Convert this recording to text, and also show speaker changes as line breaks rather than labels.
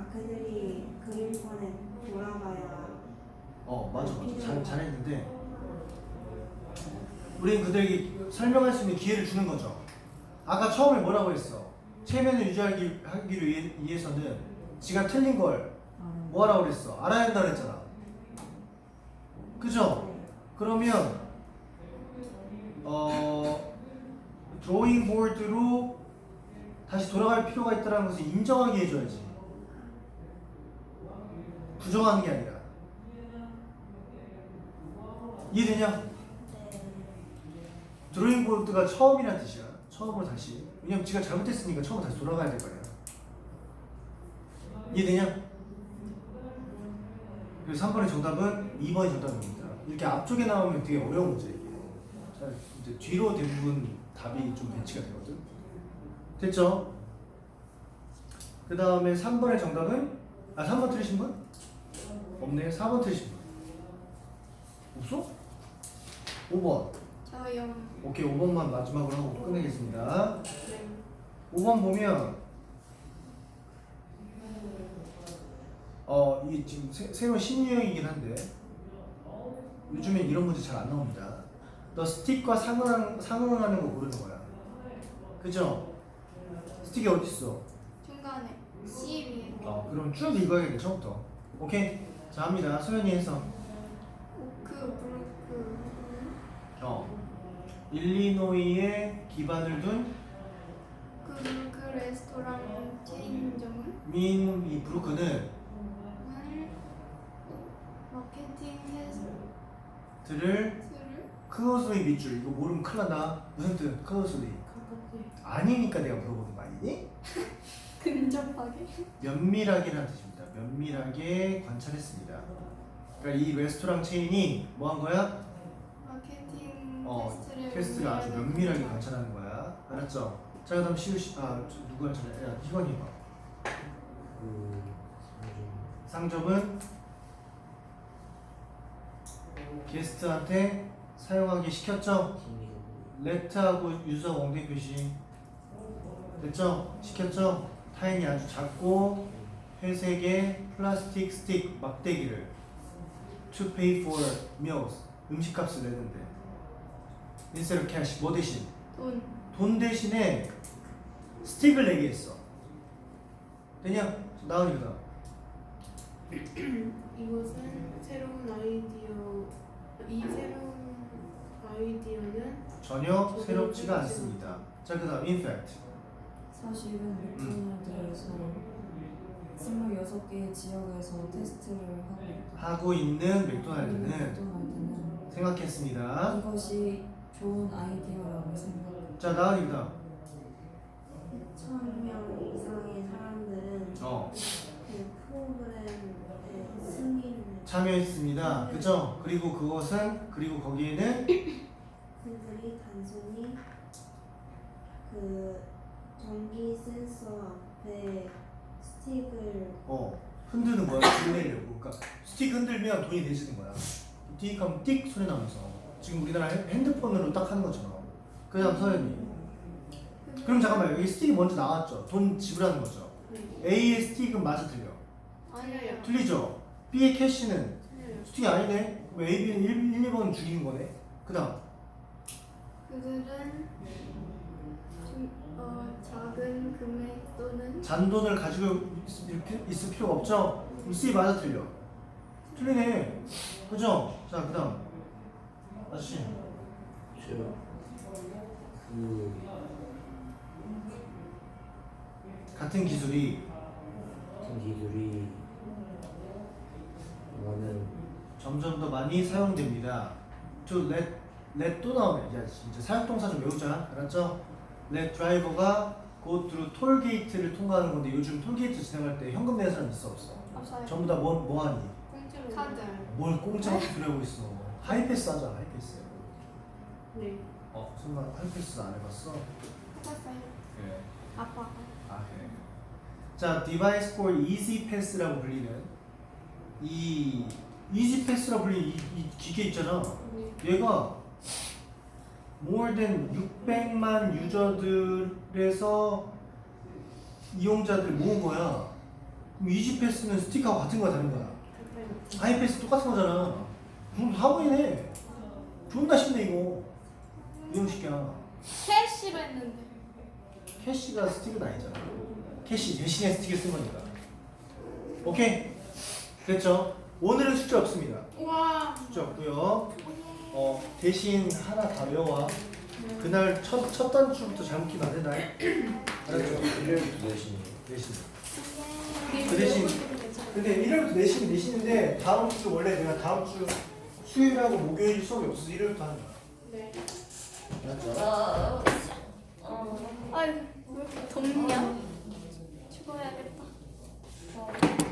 그들이 그림권에 돌아가야.
맞아. 잘했는데 우린 그들에게 설명할 수 있는 기회를 주는 거죠. 아까 처음에 뭐라고 했어? 체면을 유지하기 위해서는 지가 틀린 걸 뭐하라고 그랬어? 알아야 한다 그랬잖아. 그죠? 그러면 드로잉 보드로 다시 돌아갈 필요가 있다는 것을 인정하게 해줘야지. 부정하는 게 아니라. 이해되냐? 드로잉 보드가 처음이란 뜻이야. 처음으로 다시. 왜냐면 지가 잘못했으니까 처음으로 다시 돌아가야 될 거야. 이해되냐? 그래서 3번의 정답은 2번이 정답입니다. 이렇게 앞쪽에 나오면 되게 어려운 문제 이게. 자, 이제 뒤로 대부분 답이 좀 배치가 되거든. 됐죠? 그 다음에 3번의 정답은 3번 틀리신 분? 없네. 4번 틀리신 분? 없어? 5번.
저요.
오케이, 5번만 마지막으로 하고 끝내겠습니다.
네.
5번 보면 이게 지금 새로운 신유형이긴 한데 요즘엔 이런 문제 잘 안 나옵니다. 너 스틱과 상응하는 거 모르는 거야. 그죠? 스틱이 어디 있어?
중간에 C 위에.
그럼 쭉 읽어야겠네 처음부터. 오케이? 자, 합니다. 소연이 해서.
오크 브루크.
일리노이에 기반을 둔
브루크 레스토랑 체인점은
이 브루크는
마케팅
들을 클로즈리 밑줄. 이거 모르면 큰일 난다. 무슨 뜻? 클로즈리. 아니니까 내가 물어보는 거 아니니?
근접하게.
면밀하게라는 뜻입니다. 면밀하게 관찰했습니다. 그러니까 이 레스토랑 체인이 뭐 한 거야?
마케팅
퀘스트를 아주 면밀하게 관찰하는 거야. 알았죠? 자, 그 다음 누구야? 야, 희건이 봐. 상점은 게스트한테 사용하기 시켰죠? 레트하고 유저 엉덩이 표시 됐죠? 시켰죠? 타인이 아주 작고 회색의 플라스틱 스틱 막대기를 to pay for meals 음식값을 내는데 instead of cash 뭐 대신? 돈 대신에 스틱을 내게 했어. 되냐? 나은이다.
이것은 새로운 아이디어. 이 새로운 아이디어는
전혀 새롭지가 않습니다. 자, 그 다음 in fact
사실은 맥도날드에서 26개의 지역에서 테스트를
하고 있는 맥도날드는
맥도날드는
생각했습니다.
이것이 좋은 아이디어라고 생각합니다.
자, 나은이다.
2,000명 이상의 사람들은 그 프로그램의 승인을
참여했습니다. 그죠? 그리고 거기에는
그들이 단순히 그 전기 센서 앞에 스틱을
흔드는 거야. 돈 내려고. 그러니까 스틱 흔들면 돈이 내지는 거야. 띡 하면 띡 소리 나면서 지금 우리나라 핸드폰으로 딱 하는 것처럼. 그 다음 서연이. 그럼 잠깐만, 여기 스틱이 먼저 나왔죠. 돈 지불하는 거죠. A의 스틱은 맞아 틀려.
아니에요.
틀리죠. B의 캐시는 스틱이 아니네. 왜 A, B는 1, 2번 죽이는 거네. 그 다음
그들은 작은 금액 또는
잔돈을 가지고 있을 필요가 없죠. 그럼 C 맞아 틀려. 틀리네. 그죠? 자, 그 다음 아저씨. 같은 기술이 점점 더 많이 사용됩니다. to let 또 나오네. 야, 진짜 사용동사 좀 외우자. 알았죠? let driver가 go through 톨 게이트를 통과하는 건데 요즘 톨 게이트 지나갈 때 현금 내는 사람 있어 없어?
없어요.
전부 다 뭐 하니?
공짜로.
카드.
뭘 공짜로 들여고 있어. 하이패스 하자. 하이패스.
네.
설마 하이패스 안 해봤어?
해봤어요.
그래.
아빠가.
그래. 자, device for easy pass라고 불리는 이 easy pass라고 불리는 이 기계 있잖아. 얘가 more than 600만 유저들에서 이용자들 모은 거야. 그럼 이지패스는 스틱하고 같은 거야 다른 거야? 하이패스 똑같은 거잖아. 그럼 하고이네. 존나 쉽네 이거. 이형 식이야.
캐시로 했는데.
캐시가 스틱은 아니잖아. 캐시 대신에 스틱을 쓴 거니까. 오케이. 됐죠? 오늘은 숙제 없습니다.
와.
숙제 없고요. 대신 하나 다 외워와. 그날 첫 단추부터 잘못 끼면 안 된다. 알았죠?
일요일부터 내신이에요.
내신. 그 대신 근데 일요일부터 내신인데 다음 주 원래 내가 다음 주 수요일하고 목요일 수업이 없어서 일요일부터 하는 거야.
네.
알았죠?
아유 왜 이렇게 덥냐? 죽어야겠다.